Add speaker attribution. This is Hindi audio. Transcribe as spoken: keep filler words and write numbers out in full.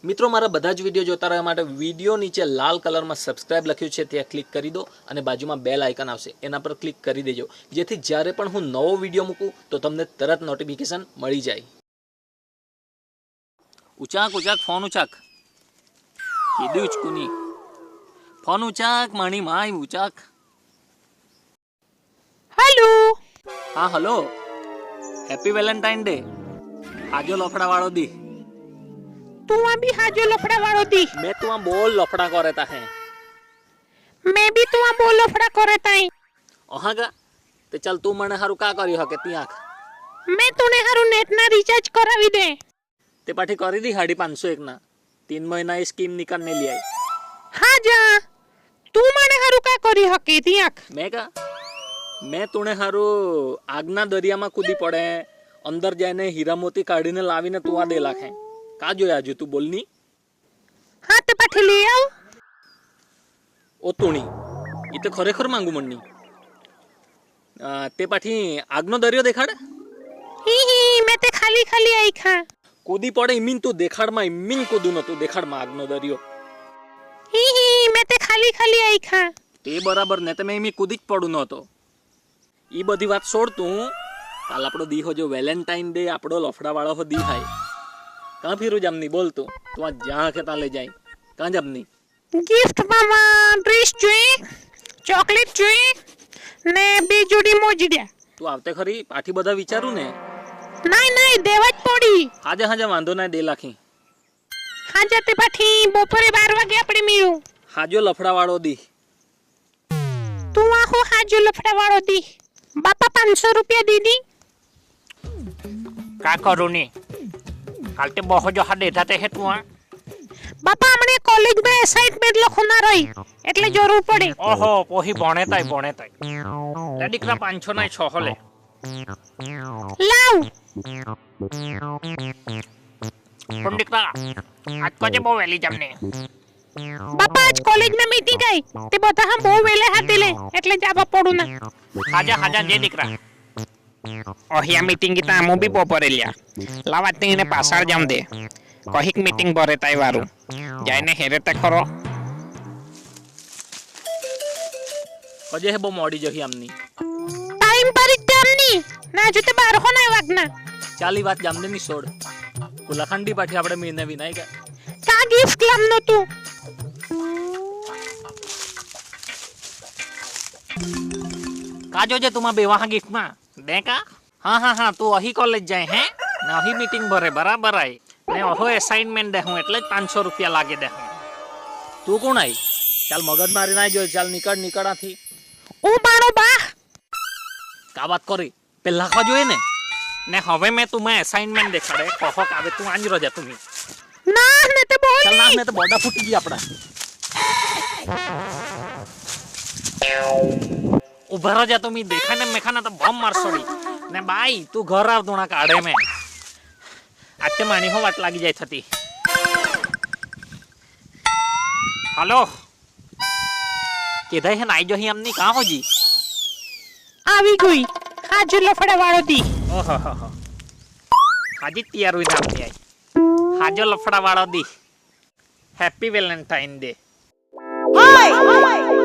Speaker 1: મિત્રો મારા બધા જ વિડીયો જોતા રહેવા માટે વિડીયો નીચે લાલ કલરમાં સબસ્ક્રાઇબ લખ્યું છે ત્યાં ક્લિક કરી દો અને બાજુમાં બેલ આઇકન આવશે એના પર ક્લિક કરી દેજો જેથી જ્યારે પણ હું નવો વિડીયો મૂકું તો તમને તરત નોટિફિકેશન મળી જાય। ઉચાક ઉચાક ફોન ઉચાક કીધું ઉચકુની ફોન ઉચાક માણી માય ઉચાક।
Speaker 2: हेलो
Speaker 1: हाँ हेलो हैप्पी वैलेंटाइन डे। आजो लफड़ा वालो दी
Speaker 2: तू अभी हाजो लफड़ा वालो दी
Speaker 1: मैं तू बोल लफड़ा को रहता है
Speaker 2: मैं भी तू बोल लफड़ा करता है
Speaker 1: ओहा का ते चल तू मने हारू का करी हके ती आंख
Speaker 2: मैं तूने हारू नेट ना रिचार्ज करावी दे
Speaker 1: ते पाठी करी दी साढ़े पांच सौ एक ना तीन महीना ये स्कीम निकालने लिया
Speaker 2: हाँ जा तू मने हारू का करी हके ती आंख
Speaker 1: मैं का मैं तूने हारू आगना दरिया में कूदी पड़े अंदर जाने हीरा मोती काढ़ी ने लावी ने तू आ दे लाखे का जो आजू तू बोलनी
Speaker 2: हाँ ते पाठी ले आओ
Speaker 1: ओ तूनी ये तो खरेखर मांगू मन्नी ते पाठी आगनो दरियो देखाड़
Speaker 2: ही ही मैं ते खाली खाली आई खा
Speaker 1: कूदी पड़े इमीन तू देखाड़ मा इमीन कूदू न तू देखाड़ मा आगनो दरियो
Speaker 2: ही ही मैं ते खाली खाली आई खा
Speaker 1: ते बराबर ने ते मैं इमी कूदी ज पड़ू न तो ई बधी बात छोड़ तू काल आपड़ो दी हो जो वेलेंटाइन डे आपड़ो लफड़ा वाळो हो दी हाय कहां फिरू जामनी बोल तू तू आ जहां के ता ले जाई कहां जामनी
Speaker 2: गिफ्ट मामा ड्रेस जोई चॉकलेट जोई ने बे जोड़ी मोजड़िया
Speaker 1: तू आवते खरी पाठी बधा विचारू ने
Speaker 2: नहीं नहीं देवाज पड़ी
Speaker 1: हाजे हाजे वांधो ना दे लाखी
Speaker 2: हाँ जाते पाठी बपोरे बार वागे आपणे मिलू
Speaker 1: हाजो लफड़ा वाळो दी
Speaker 2: तू आहो हाजो लफड़ा वाळो दी बापा पांच सौ रुपया दीदी
Speaker 3: का करू नी काल ते बहुत जो हाथ देता है तू
Speaker 2: बापा हमने कॉलेज में असाइनमेंट लखना रही એટલે જરૂર પડે
Speaker 3: ओहो पोही बने ताई बने ताई ले दीकरा पांच सौ ना छह ले
Speaker 2: लाव
Speaker 3: पण दीकरा आज को जे बो वेली जमने
Speaker 2: बापा आज कॉलेज में मीटिंग आई ते बता हम બહુ વેલે હાથે લે એટલે જાવા પડું ના
Speaker 3: हाजा हाजा जे दीकरा ओहिया मीटिंग ता मु भी बपोरे लिया लावा तीने पासार जाम दे कहिक मीटिंग बरे ताई वारू जायने हेरे ते खरो
Speaker 1: कजे हे बो मोडी जही आमनी
Speaker 2: टाइम पर जामनी ना जो ते बार हो ना वागना
Speaker 1: चाली बात जामने नी सोड कुलाखंडी पाठी आपडे मीने विनाय का
Speaker 2: का गिफ्ट लामनो तू
Speaker 3: का जो जे तुमा बेवाहा गिफ्ट मा दे का हां हां हां तू अही कॉलेज जाए हैं ना अही मीटिंग भरे बराबर आई ने ओहो असाइनमेंट दे हूं એટલે पांच सौ रुपया लागे दे हूं
Speaker 1: तू कोण आई चल मगज मारी ना जो चल निकळ निकळा थी
Speaker 2: ओ बाणो बा
Speaker 1: का बात करी पेला का जोए ने
Speaker 3: ने હવે મે तुमे असाइनमेंट देखाड़े कहो का तू आंज रजा तुमी
Speaker 2: ना ने ते बोल
Speaker 1: चल ना ने तो बॉडा फूटी गई आपड़ा
Speaker 3: उभा रजा तुमी देखा ने मेखा ना तो बम मार सोड़ी ने बाई तू घर आव तोना काढे में आते माणी हो वाट लागी जाय थती हेलो केदाई है नाई जो ही हमनी कहां हो जी
Speaker 2: આવી ગઈ હાજુ લફડા વાળો દી
Speaker 3: ओहो हो हो हाजी तैयार हुई नाम नहीं आई हाजो लफड़ा वाला दी हैप्पी वैलेंटाइन डे
Speaker 2: ઓય